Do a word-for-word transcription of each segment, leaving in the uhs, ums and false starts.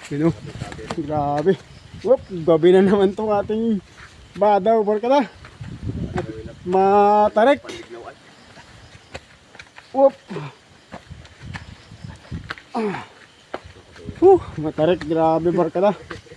Yun o. Grabe. Whoop, gabi na naman tong ating badaw, barkada. At matarik. Whoop. Ah. Huh, matarik, grabe barkada.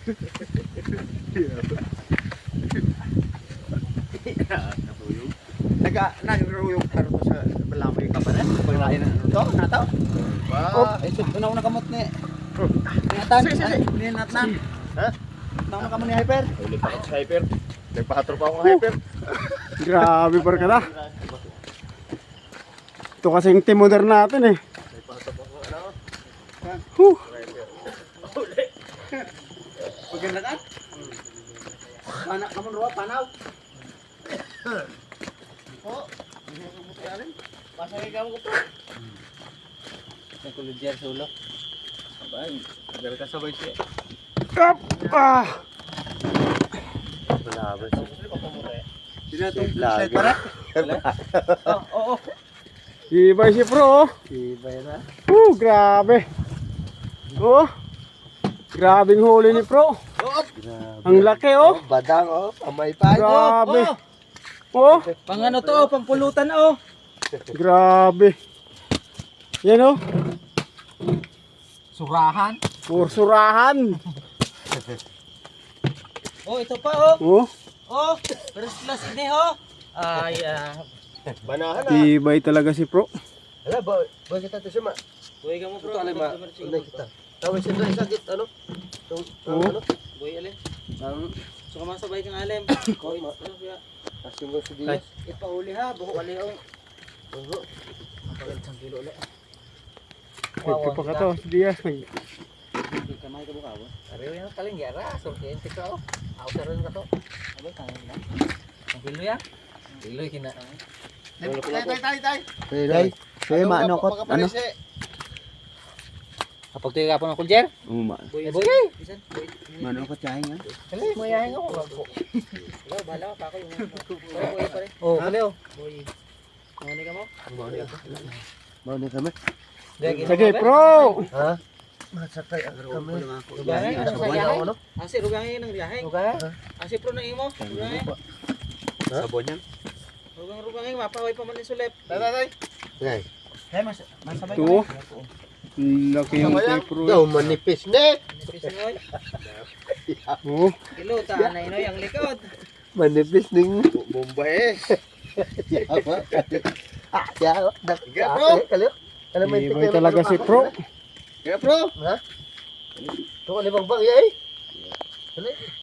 Naga nagruyog karo to sa balamoy ka pa rin. Paglain na ano to, nataw. Wow. Ay sud una una kamot ni. Ingatan. Ni natnan. Ha? Tama ka mo ni hyper. Ulit ako sa hyper. Nagpahatro pa ako ng hyper. Grabe barkada. Ito kasing timoder natin eh. Nagpahatro pa ako ano. Huh. Paganda ka? Anak ka mo ruwa panaw. Oh. Pasay ka mo ko. Sa kuludyer sa ulo. Abay, agar ka sabay siya. Up. Ah. Malabas. Dinatong slide para. Oh, oo. Oh. Ibay si Pro. Ibay na. Uh, grabe. Oh. Grabing huli ni Pro. Ang laki oh. Badang oh, pamay pa. Grabe. Oh, Pang ano to, pang pulutan oh. grabe. Yan oh. Surahan. Pursurahan. Oh, ito pa oh. Oh, Oh, first class ini oh. Ay, ah. Banahan na. ibay talaga si Pro. Hala, ba, ba kita to siya ma. Boy ka mo bro. Ito alay ma. Alay kita. Tawag siya doon sakit ano? Tung Oh. ano? Boy alin. Ang So kamasabay kang alim. Koy, ano siya? asim mo sa diya. Ipauli ha, buho ali oh. Oo. Pagal sang kilo ulit. Ito pa ka to, si Diaz. Nag- Kamay ka buka ba? Ariyo yan kaling yara, sortiente ka oh. Ako sa rin ka to. Abay, kanin na. Ang kilo yan? Kilo yung kina. Tay tay tay tay. Tay, tay. Tay maano ko ano? Kapag tuyo ka po ng kuljer? Uma. Boy, boy. Bisan, boy. Mano ko tiyahin yan? Kali, mayahin ako. Hello, bahala ka pa ako yung pare, boy, pare. Oh, kali oh. Boy. Mawani ka mo? Mano ka? Mano kami? Sige, Pro. Ha? Masakay kami. Rugahin, Sa ano buwan sa ako ano? Asi, rugahin ng riyahe. Rugahin? Asi, pro na imo. Rugahin. Sabon yan? Rugang, rugahin, mapahoy pa man yung sulip. Tay tay tay. Tay. Hey, mas, masabay Ito. Laki yung kay Pro. Daw manipis ne. Oh, Kilo, taan na inoy ang likod. Manipis ning Bombay. Ah, ya, dak. Kalyo. Alam mo ibay talaga si Pro. Kaya bro, ha? Ito ka libang bang yay. Dali.